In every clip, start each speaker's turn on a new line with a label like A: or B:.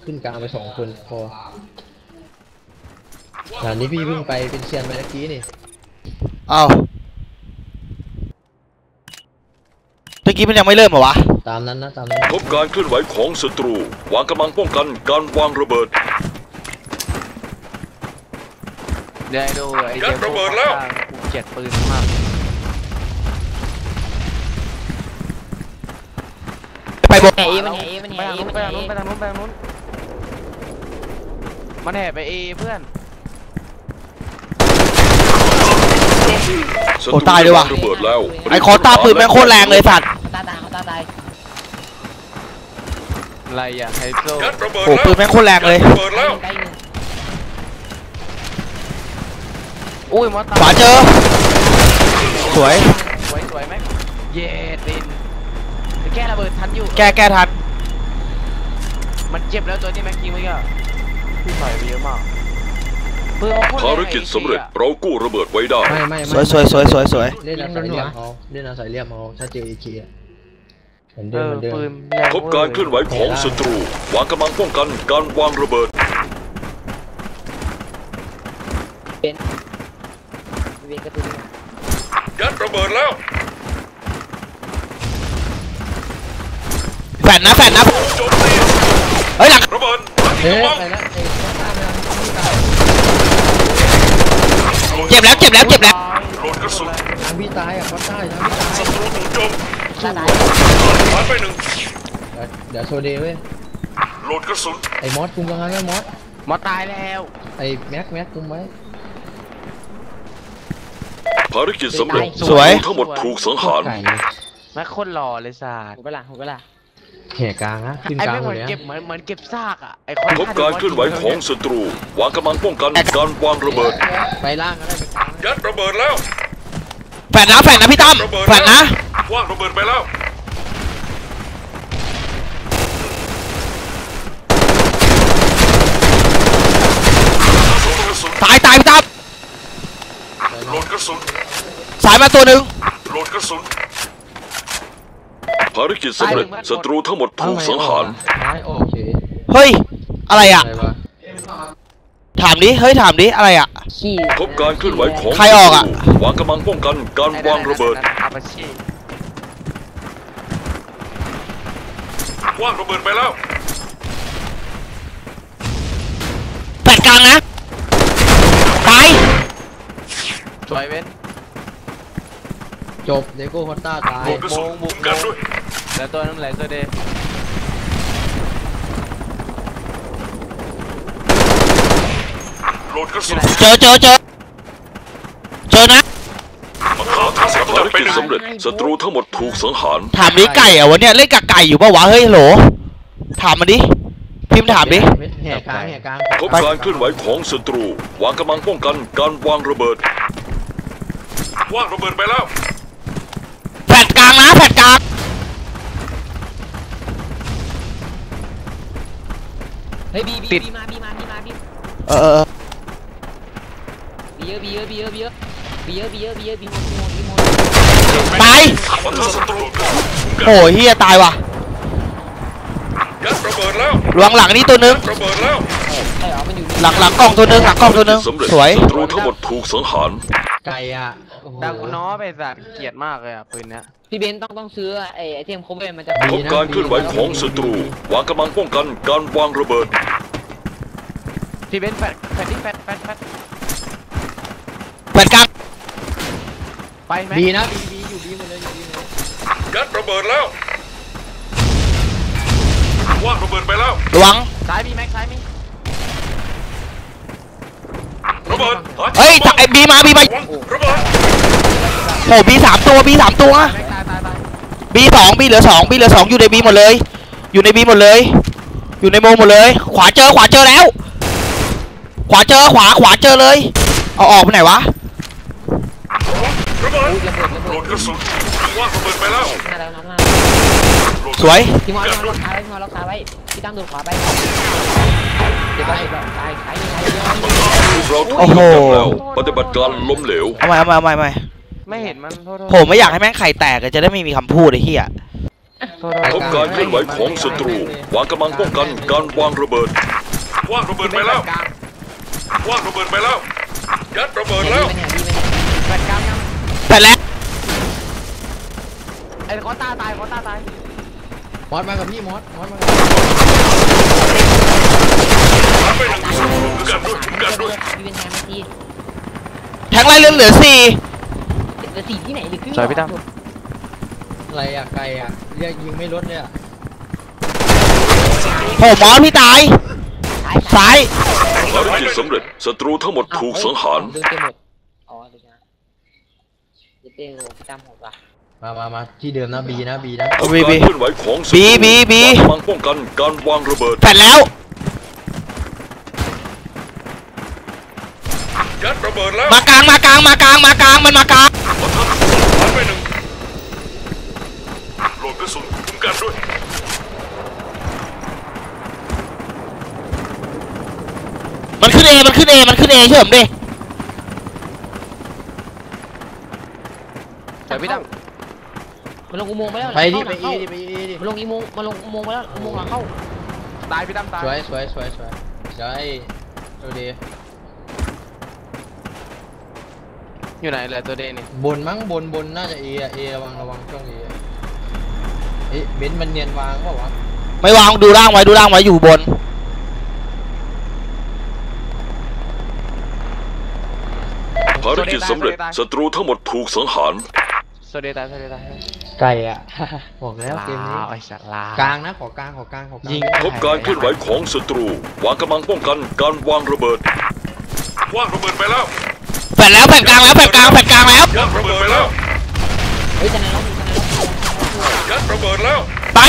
A: ขึ้นกลางไป2 คนพอด่านนี้พี่เพิ่งไปเป็นเซียนไปเมื่อกี้นี่
B: อ้าวเมื่อกี้มันยังไม่เริ่มเหรอวะ
A: ตามนั้นนะตามนั้น
C: พบการเคลื่อนไหวของศัตรูวางกำลังป้องกันการวางระเบิด
D: เดี๋ยวดูไอ้เดี๋ยวระเบิดแล้วกูเจ็ดปืนมาก
B: ไปบน
D: มันแห่ไปทางนู้นมันแห่ไปเอเพื่อน
B: โอ้ตายเลยว่ะไอ้คอตาปืนแม่งโคตรแรงเลยสัตว์
E: ตาย
D: อะไรอ่ะไฮโซ
B: โอ้ปืนแม่งโคตรแรงเลย
D: อุ้ยมอส
B: ขวาเจอสวย
D: ไหมเย่ตินแก้ระเบิดทันอยู่
B: แก้ทัน
D: มันเจ็บแล้วตัวนี้แม็กกิ้งไว้ก็พี่ใส่ไปเยอะมาก
C: ภารกิจสำเร็จเรากู้ระเบิดไว้ได้
A: ไม่
B: สวย
A: เล่นอาศัยเหลี่ยมเอาถ้าเจออีเคเหมือนเดิม
C: พบการเคลื่อนไหวของศัตรูวางกำลังป้องกันการวางระเบิดยัดระเบิดแล้ว
B: แฟนนะเฮ้ยหลัง
C: ระเบิด
A: ไปแล้ว
B: เจ็บแล้ว
C: โหลดกระสุน
A: ทางพี่ตายเขาตาย
C: ศัตรูถูกโจมผ่านไป1
A: เดี๋ยวโซเดย์เว้ย
C: โหลดกระสุน
A: ไอ้มอสคุมยังไงนะ
D: มอสตายแล้ว
A: ไอ้แม็กคุมไว้
C: ภารกิจสำเร็จ
B: สวย
C: ทั้งหมดถูกสังหาร
D: แม็กคนหล่อเลยศาสตร์
E: หูกระล่ะ
A: แห่กลางนะขึ้นกลางหมดเลย
D: เหมือนเก็บซากอ่ะไอ้
C: พบการเคลื่อนไหวของศัตรูวางกำลังป้องกันการวางระเบิด
A: ไปล่างก็ได้ไปกลาง
C: ยัดระเบิดแล้ว
B: แฟนนะพี่ตั้มแฟนนะ
C: ว่างระเบิดไปแล้ว
B: ตายพี่ตั้ม
C: โหลดกระสุน
B: สายมาตัวหนึ่ง
C: โหลดกระสุนภารกิจสำเร็จศัตรูทั้งหมดถูกสังหาร
B: เฮ้ยอะไรอ่ะถามดิอะไรอ่ะ
C: พบการเคลื่อนไหวของ
B: ใครออกอ่ะ
C: วางกำลังป้องกันการวางระเบิดวางระเบิดไปแล้ว
B: แปดกลางนะตาย
D: สวยเว้น
A: จบเดโก้ฮอตต้าตาย
C: บุกกันด้วย
D: แล้วตัวนั้นไหลตัวเด
C: โหลดกระสุน
B: เจอนะ
C: ภารกิจสำเร็จศัตรูทั้งหมดถูกสังหาร
B: ถามดิไก่อะวันเนี้ยเล่นกับไก่อยู่ปะวะเฮ้ยโหลถามมันดิพิมพ์ถามดิ
A: แห่กลาง
C: พบการเคลื่อนไหวของศัตรูวางกำลังป้องกันการวางระเบิดวางระเบิดไปแล้ว
B: แฟดกลางนะแฟดกลาง
E: เฮ้ยบีมาบีเยอะ
B: ตายโอ้ยเฮียตายว่ะ
C: ยัดระเบิดแล้ว
B: หลังนี่ตัวนึง
C: ระเบิดแล้ว
B: หลังกล้องตัวนึงสวย
C: ศัตรูทั้งหมดถูกสังหาร
A: ไก่อ่ะ
D: ดังน้อไปสัตว์เกลียดมากเลยอ่ะปืนเนี้ย
E: พี่เบนต้องซื้อไอเทมครบเลยมันจะ
C: พบการเคลื่อนไหวของศัตรูวางกำลังป้องกันการวางระเบิด
D: พี่เบนแฟด
B: กลาง
D: ไปไหม
A: บีนะบีอยู่บีหมดเลย
C: ยัดระเบิดแล้วว่างระเบิดไปแล้ว
B: ระวัง
D: ซ้ายมีแม็กซ้ายมี
C: ระเบิด
B: เฮ้ยไอ้บีมา
C: ระเบิด
B: โอ้บี3 ตัวบี2บีเหลือ2อยู่ในบีหมดเลยอยู่ในโมหมดเลยขวาเจอแล้วขวาเจอเลยเอาออกไปไหนวะ
C: ระเบิดโหลดกระสุนว่างระเบิดไปแล้ว
B: สวย
E: พี่มอล็อกขาไว้พี่ตั้งโดนขวาไปเดี๋ยวตาย
B: โอ้โห
C: ปฏิบัติการล้มเหลว
B: เอาใหม่
D: ไม่เห็นมัน
B: ผมไม่อยากให้แม่งไข่แตกจะได้ไม่มีคำพูดไอ้เหี้ย
C: พบการเคลื่อนไหวของศัตรูวางกำลังป้องกันการวางระเบิดวางระเบิดไปแล้ววางระเบิดไปแล้วยัดระเบิดแล้ว
E: แปดกลางยัง
B: แต่แล้ว
E: ไอ้คอต้าตายคอต้าตาย
A: มอสมากับพี่มอสมากับ
C: ไปหนึ่งกันด้วยกันด้วย
E: พี่เป็นแทนที
B: แทงไล่เหลือ4
E: เหลือสี่ที่ไหนหรือขึ้น
D: สวยพี่ตั้ม
A: อะไรอะไกลอะเรียกยิงไม่ลดเลยอะ
B: โหมอสพี่ตายซ้าย
C: ภารกิจสำเร็จศัตรูทั้งหมดถูกสังหาร
E: ดึงเต็มหมดอ๋อดึงนะเต้โหพี่ตั้มหมดว่ะ
A: มาที่เดิมนะบีนะ
B: เอา
C: การ
B: บี
C: เคลื่อนไหวของศัตรู
B: บี
C: วางกำลังป้องกันการวางระเบิด
B: แผ่นแล้ว
C: ยัดระเบิดแล้ว
B: มากลางมันมากลาง
C: ปะทะสังหารไปหนึ่งโหลดกระสุนคุ้มกันด้วย
B: มันขึ้นเอเชื่อผมดิ
D: สวยพี่ตั้ม
E: มันลงอุโมงค์ไปแล้ว
A: ไปดิไป
E: เข้า
A: ดิ
E: มันลงอุโมงค์มันลงอุโมงค์ไปแล้วอุโมงค์หลังเข้า
D: ตายพี่ตั้มตาย
A: สวยใช่ดูดิ
D: อยู่ไหนเหลือตัวเดนนี่
A: บนมั้งบนน่าจะเอระวังช่องเอเบนซ์มันเนียนวางเปล่าวะ
B: ไม่วางดูร่างไว้อยู่บน
C: ภารกิจสำเร็จศัตรูทั้งหมดถูกสังหาร
D: โซเดตาย
A: ไก่อะ บอกแล้วเกมนี้
D: ไอ้สัตว์ลาก
A: ลางนะขอกลางยิง
C: พบการเคลื่อนไหวของศัตรูวางกำลังป้องกันการวางระเบิดวางระเบิดไปแล้ว
B: แผ่นกลางแล้ว
C: ยัดระเบิดไปแล้ว
E: เฮ้ยแต่ในรอบนี้
C: ยัดระเบิดแล้ว
B: ไป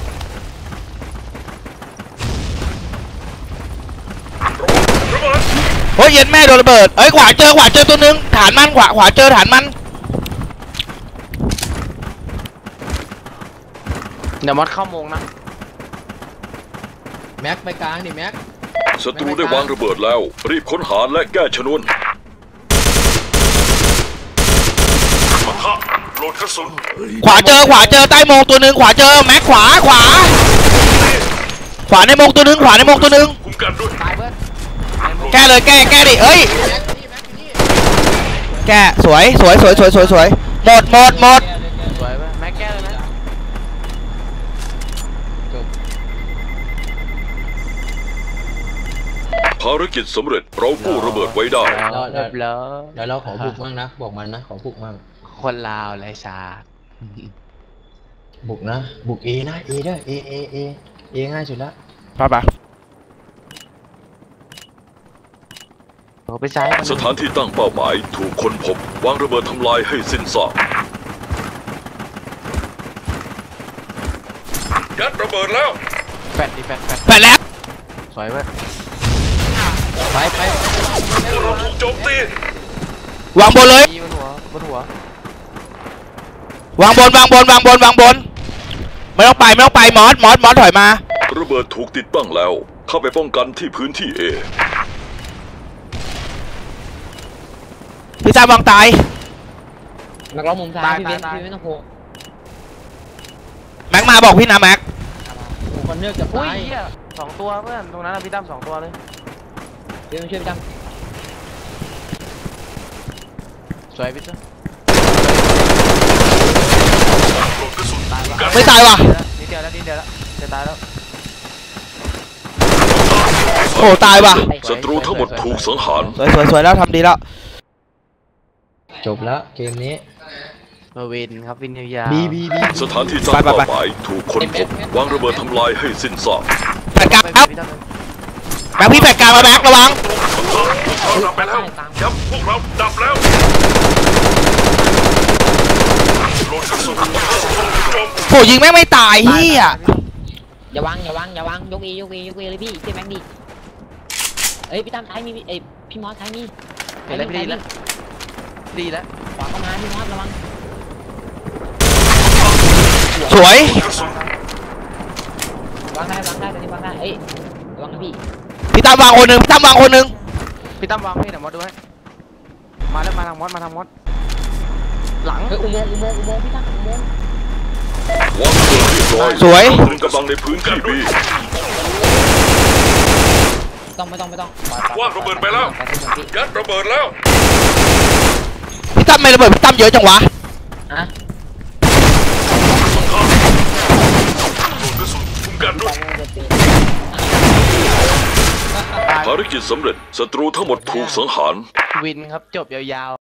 C: ระเบิด
B: เฮ้ยเย็นแม่โดนระเบิดเอ้ยขวาเจอตัวนึงฐานมันขวาเจอฐานมัน
D: เดี๋ยวมอสเข้าโมงนะ
A: แม็กไปกลางดิแม็ก
C: ศัตรูได้วางระเบิดแล้วรีบค้นหาและแก้ชนวนปะทะโหลดกระสุน
B: ขวาเจอใต้โมงตัวนึงขวาเจอแม็กขวาในโมงตัวนึง
C: คุ้มกันด้วย
D: ตายเพื่อน
B: แก้เลยแก้ดิเอ้ยแก้สวยหมด
D: สวยเพื่อนแม็กแก้เลยนะ
C: ภารกิจสำเร็จเรากู้ระเบิดไว้ได้
D: เรียบร้อย
A: แล้วเราขอบุกมั่งนะบอกมันนะขอบุกมั่ง
D: คนลาวไรชา
A: บุกนะบุกเอนะเอได้เอง่ายสุดละ
B: ไป
D: โอ้ไปซ้าย
C: สถานที่ตั้งเป้าหมายถูกค้นพบวางระเบิดทำลายให้สิ้นซากยัดระเบิดแล้ว
D: แฟด
B: แผ่นแล้ว
D: สวยเพื่อน
A: ไป
C: พวกเราถูกโจมตี
B: วางบนเลย
D: บนหัว
B: วางบนไม่ต้องไปมอสถอยมา
C: ระเบิดถูกติดตั้งแล้วเข้าไปป้องกันที่พื้นที่ A
B: พี่ตาวางตาย
E: นักร้องมุมซ้ายพี่เบนพี่ไม่ต้องโผล่
B: แม็กมาบอกพี่นะแม็ก
A: คนเลือกจะ
D: อุ้ย
A: ตาย
D: เหี้ย2 ตัวเพื่อนตรงนั้นพี่ตั้ม2 ตัวเลย
E: พี่มาช่วยพี่ตั้ม
D: สวยพี่ตั้ม
C: โหลดกระสุน
B: ไม่ตายว่ะ
D: นิดเดียวแล้วจะตายแล้ว
B: โอ้ตายว่ะ
C: ศัตรูทั้งหมดถูกสังหาร
B: สวยแล้วทำดีแล้ว
A: จบแล้วเกมนี้
D: มาวินครับวินยาว
A: บี
C: สถานที่ตั้งเป้าหมายถูกค้นพบวางระเบิดทำลายให้สิ้นซาก
B: แผ่นกลางครับแม็กพี่แผ่นกลางมาแม็กระวัง
C: เราดับไปแล้วยับพวกเราดับแล้วโหลดกระสุนโจม
B: โหยิงแม่งไม่ตายเฮีย
E: อย่าวางยกเอเลยพี่เจ๊แม็กดิเอ้ยพี่ตั้มซ้ายมีเอ้ยพี่มอสซ้ายมี
D: เห็นแล้วดีแล้ว
E: ขวาเข้ามาพี่มอสระวัง
B: สวย
C: กระสุน
E: วางได้ตอนนี้วางได้เอ้ยระวังนะพี่
B: พี่ตาวางคนหนึ่ง
D: พี่ตั้มวางพี่เดี๋ยวมอสดูให้มาทางมอสหลัง
E: เฮ้ยอุโมงค์พี่ตั้มอุโมงค์
C: วางระเบิดเรียบร้อย
B: สวย
C: ตรึงกำลังในพื้นที่บี
E: ไม่ต้อง
C: วางระเบิดไปแล้วยัดระเบิดแล้ว
B: พี่ตั้มไม่ระเบิดพี่ตั้มเยอะจังวะ
E: อะ
C: โดนกระสุนคุ้มกันด้วยภารกิจสำเร็จศัตรูทั้งหมดถูกสังหาร
D: วินครับจบยาวๆ